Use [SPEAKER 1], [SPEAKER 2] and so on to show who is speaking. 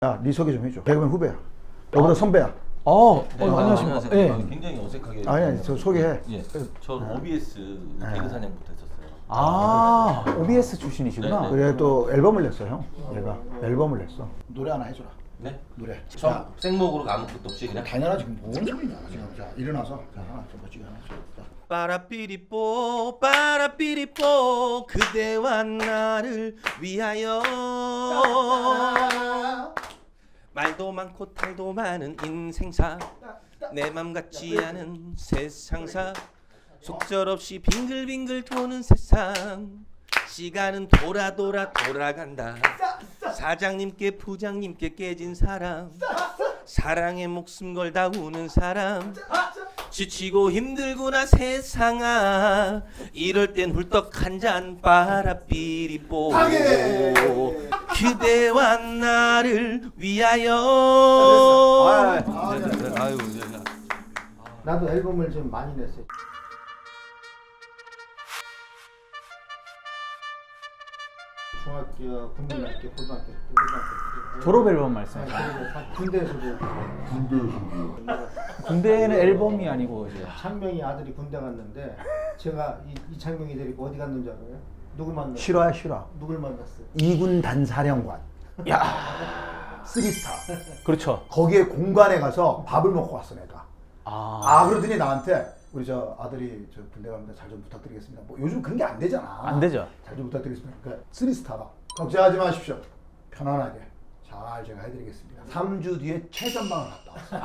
[SPEAKER 1] 야, 네 소개 좀 해줘. 개그맨 후배야. 너보다 선배야.
[SPEAKER 2] 안녕하십니까.
[SPEAKER 3] 네.
[SPEAKER 2] 예.
[SPEAKER 3] 굉장히 어색하게.
[SPEAKER 1] 아니, 저 소개해.
[SPEAKER 3] 예. 저 OBS 개그 사냥부터 했었어요.
[SPEAKER 2] OBS 출신이시구나.
[SPEAKER 3] 네, 네.
[SPEAKER 1] 그래 또 앨범을 냈어, 형. 내가 앨범을 냈어. 노래 하나 해줘라.
[SPEAKER 3] 네?
[SPEAKER 1] 노래.
[SPEAKER 3] 처음 생목으로 아무것도 없이 그냥.
[SPEAKER 1] 당연하지. 뭔 소리냐. 지금 자, 일어나서 자, 하나 좀 멋지게 하나 줘. 자.
[SPEAKER 3] 빠라삐리뽀 빠라삐리뽀 그대와 나를 위하여 말도 많고 탈도 많은 인생사 내 맘 같지 않은 세상사 속절없이 빙글빙글 도는 세상 시간은 돌아간다 사장님께 부장님께 깨진 사람 사랑에 목숨 걸다 우는 사람 지치고 힘들구나 세상아 이럴 땐 훌떡 한 잔 빠라삐리뽀 그대와 나를 위하여 아유
[SPEAKER 4] 나도 앨범을 좀 많이 냈어요. 중학교, 국민학교, 고등학교 때,
[SPEAKER 2] 졸업 앨범 말씀하시죠.
[SPEAKER 4] 군대에서도
[SPEAKER 2] 군대는 앨범이 아니고 이제
[SPEAKER 4] 창명이 아들이 군대 갔는데 제가 이 창명이 데리고 어디 갔는지 알아요? 누굴 만났어요?
[SPEAKER 1] 실화야, 실화.
[SPEAKER 4] 누굴 만났어요?
[SPEAKER 1] 2군 단사령관.
[SPEAKER 2] 야,
[SPEAKER 1] 3스타.
[SPEAKER 2] 그렇죠.
[SPEAKER 1] 거기에 공간에 가서 밥을 먹고 왔어, 내가.
[SPEAKER 2] 아,
[SPEAKER 1] 그러더니 나한테 우리 저 아들이 저 군대 갑니다. 잘 좀 부탁드리겠습니다. 뭐 요즘 그런 게 안 되잖아.
[SPEAKER 2] 안 되죠.
[SPEAKER 1] 잘 좀 부탁드리겠습니다. 그러니까 3스타가 걱정하지 마십시오. 편안하게 잘 제가 해드리겠습니다. 3주 뒤에 최전방을 갔다 왔어요.